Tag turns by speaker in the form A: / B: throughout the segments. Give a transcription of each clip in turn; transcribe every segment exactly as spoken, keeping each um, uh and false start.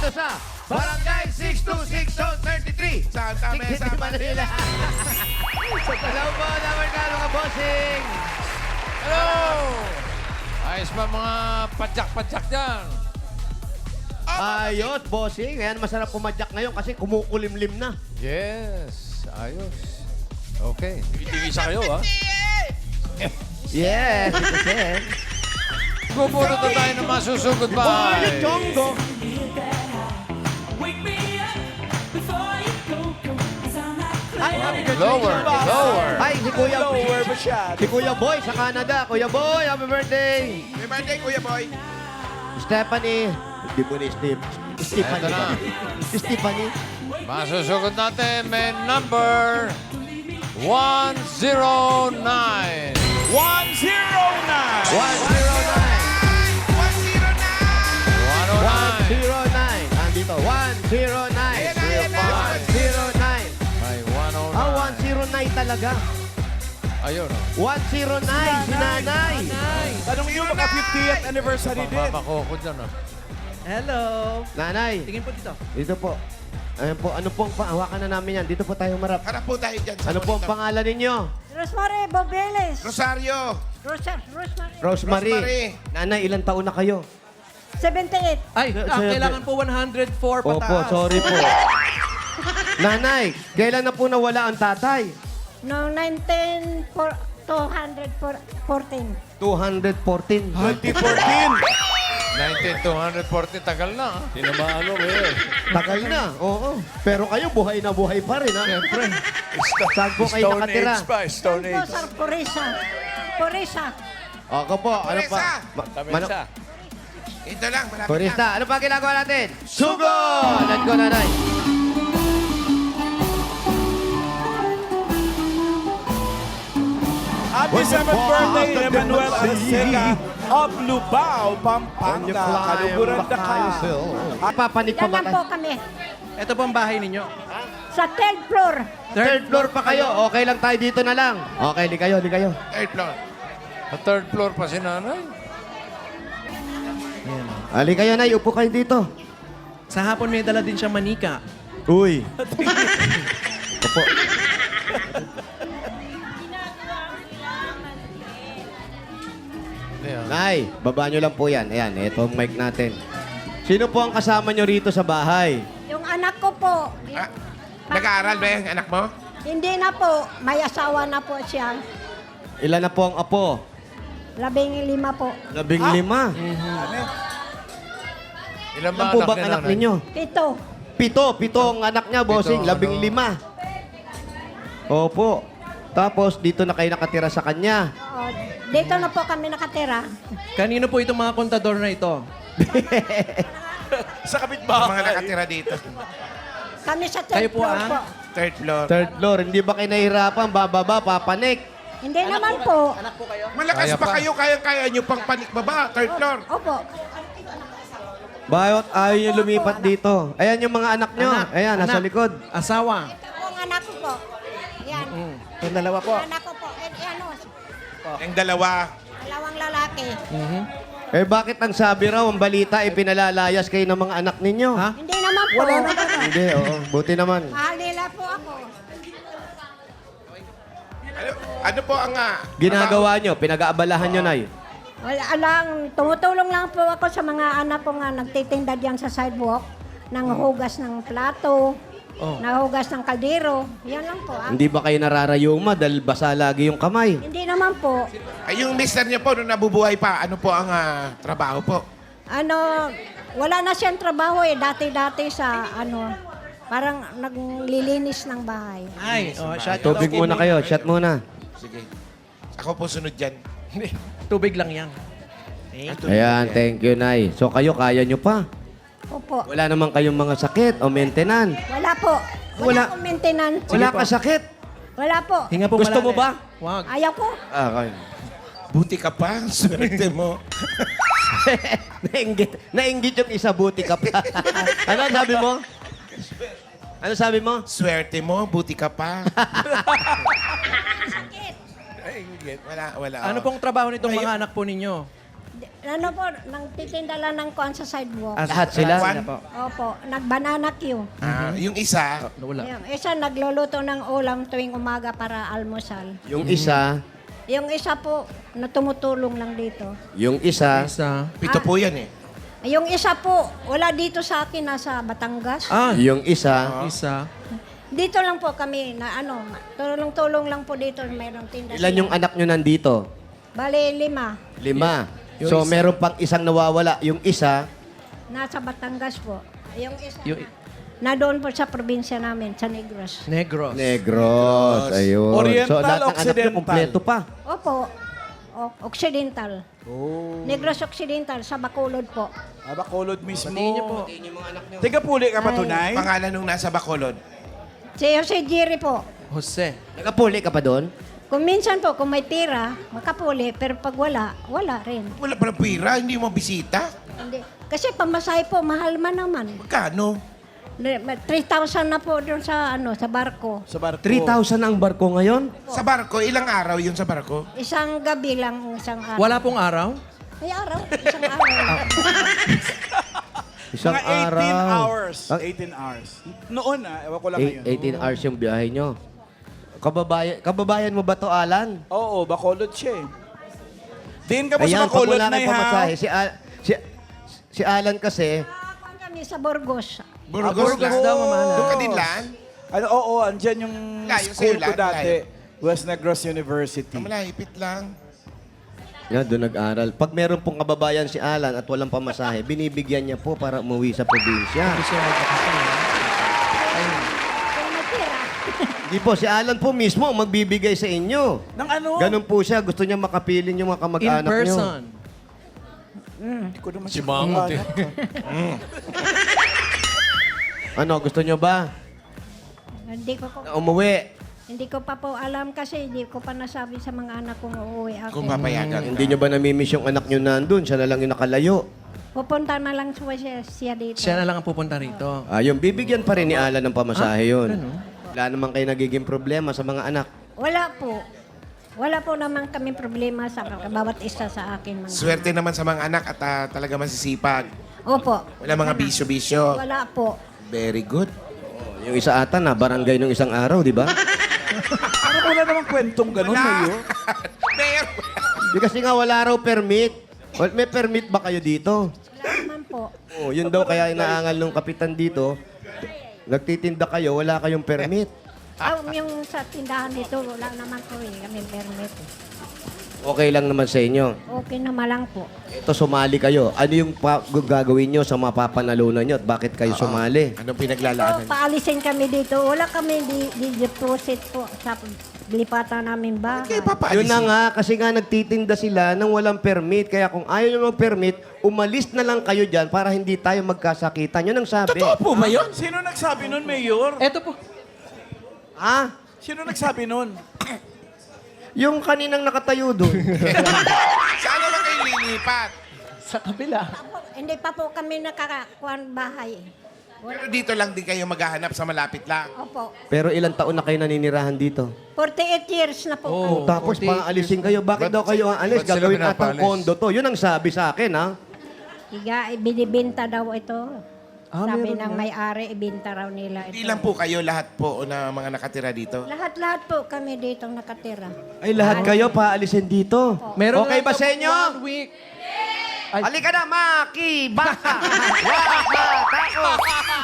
A: dito sa Barangay six two six Zone thirty-three.
B: Santa Mesa, Manila.
A: Hello po, dapat ka mga bossing.
C: Hello! Ayos ba mga padyak-padyak dyan?
A: Ayos, bossing. Ayan, masarap pumadyak ngayon kasi kumukulimlim na.
C: Yes, ayos. Okay. Tigisa kayo, ha?
A: Yes, ito Sen.
C: Pupunta na tayo ng masusugod
A: Boy,
C: ba?
A: Chongo.
D: Ay, happy birthday.
C: Lower, lower.
A: Ay, si Kuya,
D: Lower masyado.
A: si Kuya Boy sa Canada. Kuya Boy, happy birthday.
B: Happy birthday, Kuya Boy.
A: Stephanie. Hindi po ni Steve. Stephanie.
C: Eto na.
A: Si Stephanie.
C: Masusugod natin may number one zero nine.
D: one zero nine.
A: one zero nine.
B: one zero nine.
C: one oh
A: one
C: nine.
A: zero nine. Andito, one zero nine.
B: Ayan na, ayan na.
A: one zero nine.
C: May one oh nine.
A: Ah, one zero nine talaga.
C: Ayun, oh.
A: one zero nine, si Nanay.
D: Tanong nyo, baka fiftieth anniversary din.
C: Pangmamako ko dyan, oh.
E: Hello.
A: Nanay,
E: Tingin po dito.
A: dito po. Ayan po, ano pong hawakan na namin yan? Dito po tayo marap.
B: Harap po tayo dyan. sa
A: Ano po ang
B: monitor.
A: pangalan ninyo?
F: Rosemary Bobeles.
B: Rosario.
F: Rosa, Rosemary.
A: Rosemary.
B: Rosemary.
A: Nanay, ilang taon na kayo?
F: seventy-eight.
E: Ay,
A: Sir,
E: ah,
A: sir,
E: kailangan po one hundred four
A: Opo,
E: pataas.
A: sorry po. Nanay, kailan na po nawala ang tatay?
F: Noong nineteen fourteen.
A: two fourteen.
D: twenty fourteen.
C: nineteen two forty, tagal na, ha?
D: Tinamaan mo, eh.
A: Tagal na, oo. Pero kayo, buhay na buhay pa rin, ha?
C: Siyempre.
A: Saan po kayo
D: Stone
A: nakatira?
D: Age pa, Stone
F: Doon po
D: Age.
F: sa Purisa. Purisa.
A: Ako po, ano pa?
B: Teresa.
A: Ma-
D: Tamesa.
A: mano-
B: Ito lang, malapit
A: Turista, ano pa ginagawa natin? Sugod! Let's go, nanay.
D: Happy seventh birthday, Emmanuel Arceca of Lubao, Pampanga. Kaluburan na ka.
A: Papanik pa
F: Yan
A: ba
F: lang
A: tayo?
F: po kami.
E: Ito po ang bahay ninyo.
F: Sa third floor.
A: Third floor pa kayo. Okay lang tayo dito na lang. Okay, di kayo, di kayo.
B: Third floor.
C: Sa third floor pa si nanay.
A: Ali kayo, nay. Upo kayo dito.
E: Sa hapon may dala din siya manika.
A: Uy. Opo.
C: Ayan.
A: Nay, baba nyo lang po yan. Ayan, ito ang mic natin. Sino po ang kasama nyo rito sa bahay?
F: Yung anak ko po.
B: Ah, nag-aaral ba yung anak mo?
F: Hindi na po. May asawa na po siya.
A: Ilan na po ang apo?
F: Labing lima po.
A: Labing lima.
C: Ilan
A: Ilan
C: ba
A: po
C: anak
A: bang
C: ni
A: anak
C: nanay?
A: ninyo?
F: Pito.
A: Pito. Pito ang anak niya, bossing.
C: Pito,
A: Labing
C: ano?
A: lima. Opo. Tapos, dito na kayo nakatira sa kanya.
F: Oo, dito na po kami nakatira.
E: Kanino po itong mga kontador na ito?
D: Sa
B: Mga
D: kapitbahay.
B: nakatira dito.
F: Kami sa third
E: Kayo po,
F: floor
E: ah?
F: po.
B: Third floor.
A: Third floor. Hindi ba kayo nahihirapan? Bababa, papanik.
F: Hindi naman po.
B: Malakas
C: Kaya
B: pa
C: pa.
B: kayo, kaya-kaya nyo pang panik baba. Third floor.
F: Opo.
A: Bakit ayaw nyo lumipat dito? Ayan yung mga anak nyo.
E: Anak,
A: Ayan, nasa
E: anak.
A: likod.
E: Asawa.
F: Ito po ang anak ko po. Yan.
E: Yung dalawa po.
F: Anak ko po. Eh, eh, ano,
B: Yung dalawa.
F: dalawang lalaki.
A: Eh bakit ang sabi raw, ang balita, ipinalalayas kayo ng mga anak ninyo?
E: Ha?
F: Hindi naman po.
E: Wala naman.
A: Hindi, oo. Buti naman.
F: Mahal nila po ako.
B: Ano, ano po ang... ah,
A: Ginagawa nyo, pinag-aabalahan nyo, Nay.
F: Wala lang, tumutulong lang po ako sa mga anak ko nga nagtitinda diyan sa sidewalk ng hugas ng plato,
E: Oh.
F: nahugas ng kaldero. Yan lang po. Ah.
A: Hindi ba kayo nararayuma dahil basa lagi yung kamay?
F: Hindi naman po.
B: Ay, yung mister niyo po, nung nabubuhay pa, ano po ang ah, trabaho po?
F: Ano, wala na siyang trabaho eh. Dati-dati sa ano, parang naglilinis ng bahay.
E: Ay, oh, shot
A: Tubig muna kayo, shot muna.
B: Sige. Ako po sunod dyan.
E: Tubig lang yan.
B: At
A: Ayan, thank you, Nay. So kayo, kaya nyo pa?
F: Opo.
A: Wala naman kayong mga sakit o maintenance?
F: Wala po.
A: Wala.
F: Wala akong maintenance.
A: Wala ka sakit?
F: Wala po.
E: Hinga po
A: Gusto mo
E: malalim.
A: ba?
E: Wag.
F: Ayaw ko.
A: Ah, okay.
B: Buti ka pa, swerte mo.
A: nainggit, nainggit yung isa, buti ka pa. ano sabi mo? Ano sabi mo?
B: Swerte mo, buti ka pa.
F: Sakit.
B: Wala, wala.
E: Ano pong trabaho nitong mga anak po ninyo?
F: ano po, nang titinda lang ng kuan sa sidewalk.
E: Ah,
A: Lahat sila?
E: sila po.
F: Opo, nag-banana queue.
B: Ah, yung isa,
E: Nawala.
F: Yung isa nagluluto ng ulam tuwing umaga para almusal.
A: Yung isa,
F: Yung isa po, na tumutulong lang dito.
A: yung isa,
E: Isa.
B: pito po yan eh.
F: Yung isa po, wala dito sa akin, nasa Batangas.
E: Ah,
A: yung isa,
E: isa.
F: Dito lang po kami na ano, tulong-tulong lang po dito, mayroong tinda.
A: ilan yung anak nyo nandito?
F: Bali, lima.
A: Lima. So, meron pang isang nawawala. Yung isa,
F: Nasa Batangas po. Yung isa
E: Yung-
F: na, na doon po sa probinsya namin, sa Negros.
E: Negros.
A: Negros. Ayun.
D: Oriental,
A: so, lahat ng anak nyo,
D: Occidental?
A: kompleto pa.
F: Opo, o, Occidental.
D: Oh.
F: Negros Occidental, sa Bacolod po.
D: Ah, Bacolod mismo.
E: Batiin niyo po.
D: Tiga puli ka pa tunay?
B: Pangalan nung nasa Bacolod.
F: Si Jose Giri po.
E: Jose.
A: Nakapuli ka pa doon?
F: Kung minsan po, kung may tira, makapuli, pero pag wala, wala rin.
B: Wala palang pira, hindi mo bisita.
F: Hindi. Kasi pamasahe po, mahal man naman.
B: Magkano?
F: three thousand na po doon sa ano sa barko.
D: Sa barko.
A: three thousand ang barko ngayon?
B: Sa barko, ilang araw yun sa barko?
F: Isang gabi lang, isang araw.
E: Wala pong araw?
F: Ay, araw. Isang araw.
A: Isang
D: Mga eighteen
A: araw.
D: hours.
A: Ang-
D: eighteen hours. Noon ah, ewan ko lang
A: Eight-
D: ngayon.
A: eighteen hours yung biyahe nyo. Kababayan, kababayan mo ba to, Alan?
D: Oo, Bacolod siya eh. Din ka po
A: Ayan,
D: sa
A: pag
D: Bacolod
A: wala
D: na
A: kang
D: ha.
A: pamasahe, si, Al- si, si Alan kasi,
F: Nakakuan kami sa Burgos.
B: Burgos,
D: Burgos
B: lang.
E: daw, Mama Alan.
B: Doon ka din lang?
D: Ano, oo, andyan yung
B: Layo
D: school
B: sa'yo,
D: ko
B: layo,
D: dati. West Negros University.
B: Malahipit lang.
A: yan, doon nag-aral. Pag meron pong kababayan si Alan at walang pamasahe, binibigyan niya po para umuwi sa probinsya.
E: Gusto mo
F: Kung may tira.
A: Hindi po, si Alan po mismo ang magbibigay sa inyo.
D: Nang ano?
A: Ganun po siya, gusto niya makapilin yung mga
E: In
A: kamag-anak niyo.
E: person.
D: Hindi ko naman
C: Si
D: siya
C: Mangot eh.
D: kamag-anak.
A: Ano, gusto niyo ba?
F: Hindi ko po,
A: Na umuwi.
F: hindi ko pa po alam kasi hindi ko pa nasabi sa mga anak kong uuwi ako.
B: Kung papayagan ka.
A: Hindi niyo ba namimiss yung anak niyo nandun? Siya na lang yung nakalayo.
F: Pupunta na lang siya, siya dito.
E: Siya na lang ang pupunta rito.
A: Ah, yung bibigyan pa rin ni Alan ng pamasahe yun. Wala naman kayo nagiging problema sa mga anak.
F: Wala po. Wala po naman kami problema sa bawat isa sa akin. Mga.
B: Swerte naman sa mga anak at ah, talaga masisipag.
F: Opo.
B: Wala mga bisyo-bisyo.
F: Wala po.
B: Very good.
A: Yung isa ata na barangay nung isang araw, di ba?
D: Ano wala namang kwentong ganun, Mayo?
B: Meron.
A: Di kasi nga wala raw permit. Well, may permit ba kayo dito?
F: Wala naman po.
A: Oh, yun daw kaya inaangal nung kapitan dito. Nagtitinda kayo, wala kayong permit.
F: Ah, yung sa tindahan dito, wala naman po eh. Kami permit. eh.
A: Okay lang naman sa inyo.
F: Okay naman lang po.
A: Ito, sumali kayo. Ano yung pa- gagawin nyo sa mapapanalunan nyo at bakit kayo sumali?
B: Anong
F: So,
B: pinaglalaanan?
F: paalisin kami dito. Wala kami di, di deposit po sa lipatan namin ba?
B: Okay, papaalisin.
A: Yun na nga, kasi nga nagtitinda sila ng walang permit. Kaya kung ayaw nyo mag-permit, umalis na lang kayo dyan para hindi tayo magkasakitan. Yun ang sabi.
B: Totoo po ba yun?
D: Sino nagsabi nun, Mayor?
E: Eto po.
A: Ha?
D: Sino nagsabi nun?
A: Yung kaninang nakatayo doon.
B: Saan naman kayo lilipat?
E: Sa kabila.
F: Apo, hindi pa po kami nakakakuan bahay.
B: Pero dito lang din kayo maghahanap sa malapit lang.
F: Opo.
A: Pero ilang taon na kayo naninirahan dito?
F: forty-eight years na po
E: Oh.
F: kami.
A: Tapos
E: forty.
A: paalisin kayo. Bakit
C: Ba't-
A: daw kayo aalis?
C: ba't sila
A: Gagawin atang
C: pinapalis?
A: kondo to. Yun ang sabi sa akin, ha?
F: Iga, ibinibenta daw ito.
A: Ah,
F: Sabi
A: meron
F: ng may-ari, ibinta raw nila ito.
B: Hindi lang po kayo lahat po na mga nakatira dito.
F: Lahat-lahat po kami dito nakatira.
A: Ay, lahat kayo paalisin dito.
E: Meron
A: okay
E: lang
A: ba
E: daw
A: sa
E: po
A: inyo?
E: One week. Ay.
A: Halika na, Maki! Baka! Wag matakot!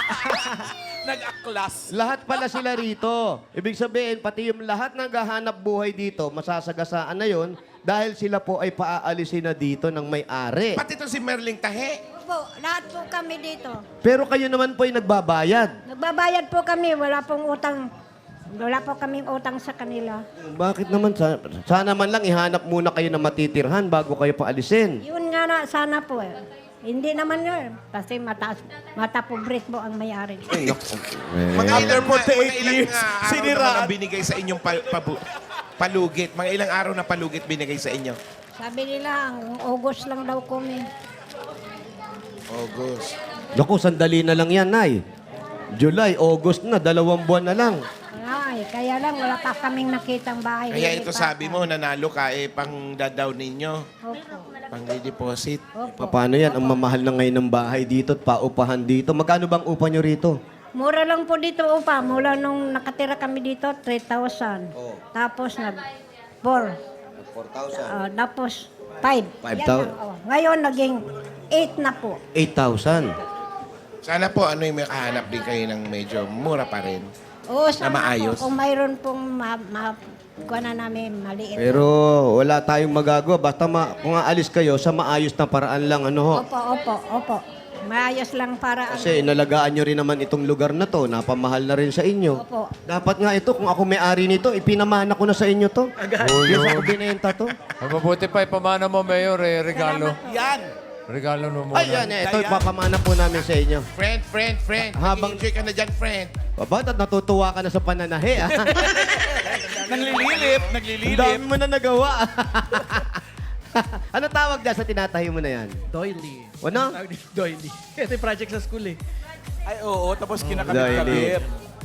D: Nag-aklas.
A: Lahat pala sila rito. Ibig sabihin, pati yung lahat ng gahanap buhay dito, masasagasaan na yon dahil sila po ay paaalisin na dito ng may-ari.
B: Pati to si Merling Tahe.
F: Opo, lahat po kami dito.
A: Pero kayo naman po ay nagbabayad.
F: Nagbabayad po kami, wala pong utang. Wala po kaming utang sa kanila.
A: Bakit naman? Sa- Sana man lang ihanap muna kayo na matitirhan bago kayo paalisin.
F: Yun nga na, sana po eh. Hindi naman yun. Kasi mataas, mata pobret po ang may-ari.
B: Mga
D: After
B: ilang,
D: forty-eight
B: mga ilang
D: years,
B: ah, araw
D: siniraan.
B: naman ang binigay sa inyong pa- pabu- palugit. Mga ilang araw na palugit binigay sa inyo.
F: Sabi nila, ang August lang daw kami.
B: August.
A: Naku, sandali na lang yan, Nay. July, August na, dalawang buwan na lang.
F: Ah, eh. Kaya lang, wala pa kaming nakitang bahay.
B: Kaya ito
F: Lilipatan.
B: sabi mo, nanalo ka, eh, pang dadaw ninyo.
F: Opo.
B: Pang redeposit.
F: Opo.
A: Paano yan? Ang mamahal na ngayon ng bahay dito at paupahan dito. Magkano bang upa nyo rito?
F: Mura lang po dito upa. Mula nung nakatira kami dito, three thousand.
A: Oh.
F: Tapos nag four.
A: four thousand.
F: Ah, tapos five.
A: Five
F: Yan
A: thou-
F: na, oh. Ngayon, naging eight na po.
A: eight thousand.
B: Sana po, ano yung may kahanap din kayo ng medyo mura pa rin.
F: Oo, sana
B: maayos.
F: po. Kung mayroon pong ma, ma, kuha na namin maliit.
A: Pero wala tayong magagawa. Basta ma- kung aalis kayo sa maayos na paraan lang. Ano ho?
F: Opo, opo, opo. Maayos lang para ano.
A: Kasi inalagaan nyo rin naman itong lugar na to. Napamahal na rin sa inyo.
F: Opo.
A: Dapat nga ito, kung ako may-ari nito, ipinamana ko na sa inyo to. Yes, ako binenta to.
C: Ay, mabuti pa ipamana mo, Mayor, eh, regalo.
D: Yan.
C: Regalo mo muna.
A: Ay, yan eh. Ito, ipapamana po namin sa inyo.
B: Friend, friend, friend.
A: Habang-
B: Habang... enjoy ka na dyan, friend.
A: Babat at natutuwa ka na sa pananahe. Ah.
D: Naglililip,
A: Ang
D: naglililip.
A: dami mo na nagawa. Ano tawag dyan sa tinatahi mo na yan?
E: Doily.
A: Ano?
E: Tawag dito, Doily. Ito yung project sa school eh.
D: Ay, oo, tapos kinakabit-kabit.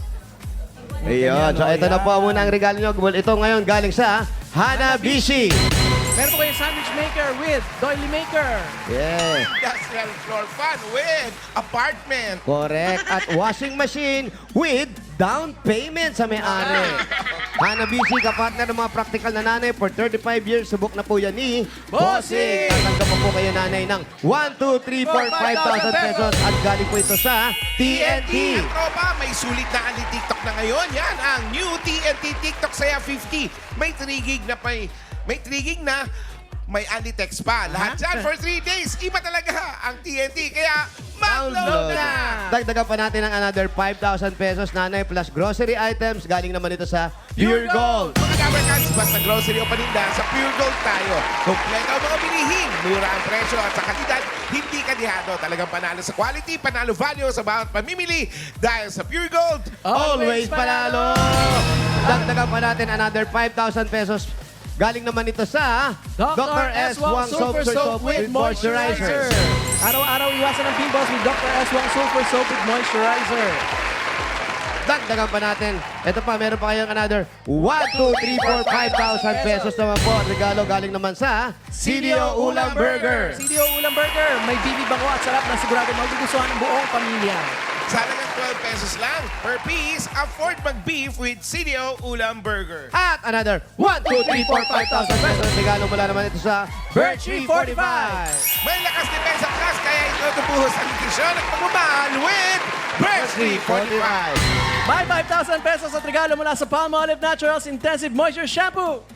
A: Ayun. So, ito na po muna ang regalo nyo. Ito ngayon galing sa Hanabishi.
E: Meron po kayong sandwich maker with Doily Maker.
A: Yeah.
B: Industrial floor fan with apartment.
A: Correct. At washing machine with down payment sa may-ari. Hanabishi, kapartner ng mga practical na nanay for thirty-five years. Subok na po yan ni
E: Bossing!
A: Tatanggap mo po kayo nanay ng one, two, three, four, five thousand pesos. At galing po ito sa T N T.
B: At tropa, may sulit na ali TikTok na ngayon. Yan ang new T N T TikTok Saya fifty. May three gig na pa may three gig na, may anti-text pa. Lahat dyan for three days. Iba talaga ang T N T. Kaya, mag-load na!
A: Dagdagan pa natin ng another five thousand pesos nanay plus grocery items. Galing naman ito sa Pure Gold.
B: Mga Gamercans, basta grocery o paninda, sa Pure Gold tayo. Kompleto ang mga bilihin, mura ang presyo at sa kalidad, hindi kadihado. Talagang panalo sa quality, panalo value sa bawat pamimili. Dahil sa Pure Gold,
A: Always panalo! Dagdagan pa natin another five thousand pesos. Galing naman ito sa
E: Doctor S. Wang Super Soap with Moisturizer. Araw-araw iwasan ang pimples with Doctor S. Wang Super Soap with Moisturizer.
A: Dagdagan pa natin. Ito pa, meron pa kayong another one, two, three, four, five thousand pesos naman po. At regalo galing naman sa C D O Ulam Burger.
E: C D O Ulam Burger. May bibi bango at sarap na sigurado magugustuhan ng buong pamilya.
B: sa halagang twelve pesos lang per piece, afford mag-beef with C D O Ulam Burger.
A: At another one, two, three, four, five thousand pesos. Regalo mula naman ito sa Birchie forty-five.
B: May lakas depensa class, kaya ito tubuhos ang nutrisyon at pagmamahal with Birchie forty-five.
E: May five thousand pesos at regalo mula sa Palmolive Naturals Intensive Moisture Shampoo.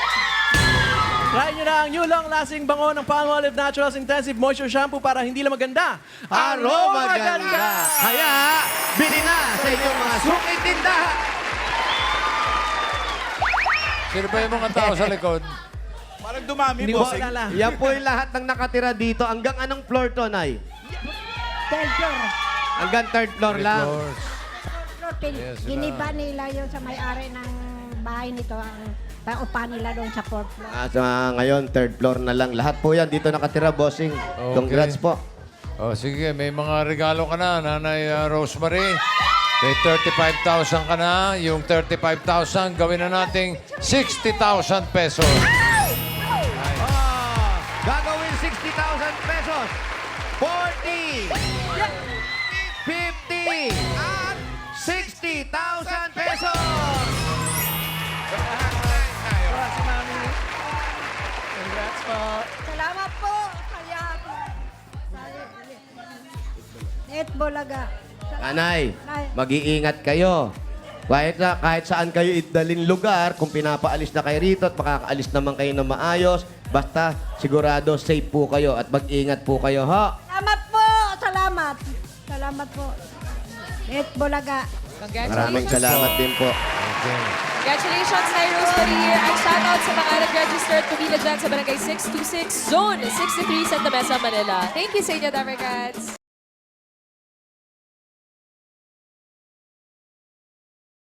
E: Try nyo na ang new long-lasting bango ng Palmolive Naturals Intensive Moisture Shampoo para hindi lang maganda,
A: Aroma ganda. Kaya, bili na sa inyong mga suki tindahan.
C: Sino ba yung mga tao sa likod?
D: Parang dumami,
E: Hindi ko
D: bossing.
E: alala.
A: Yan po yung lahat ng nakatira dito. Hanggang anong floor to, Nay?
F: Third floor.
A: Hanggang third floor lang.
C: Floors.
F: Floor, tin-
C: Yes, sila.
F: giniba nila yun sa may-ari ng bahay nito. Ang paupa nila doon sa fourth floor.
A: Ah, so, ah, ngayon, third floor na lang. Lahat po yan dito nakatira, bossing.
C: Okay.
A: Congrats po.
C: O sige, may mga regalo ka na, Nanay uh, Rosemary. May thirty-five thousand ka na. Yung thirty-five thousand, gawin na nating sixty thousand pesos.
A: Ah, gagawin sixty thousand pesos. forty, fifty, at sixty thousand pesos.
E: Congrats, Mami. Congrats po.
F: Salamat po. Kaya, Net Bolaga.
A: Nanay, mag-iingat kayo. Kahit, sa, kahit saan kayo idalin lugar, kung pinapaalis na kayo rito at makakaalis naman kayo na maayos, basta sigurado safe po kayo at mag-ingat po kayo, ha?
F: Salamat po. Salamat. Salamat po. Net Bolaga.
A: Maraming salamat din po.
G: Congratulations, Nay Rosemary here. Ang shoutout sa mga nag-registered pumila dyan sa Barangay six two six, Zone sixty-three, Santa Mesa, Manila. Thank you sa inyo, Damercats.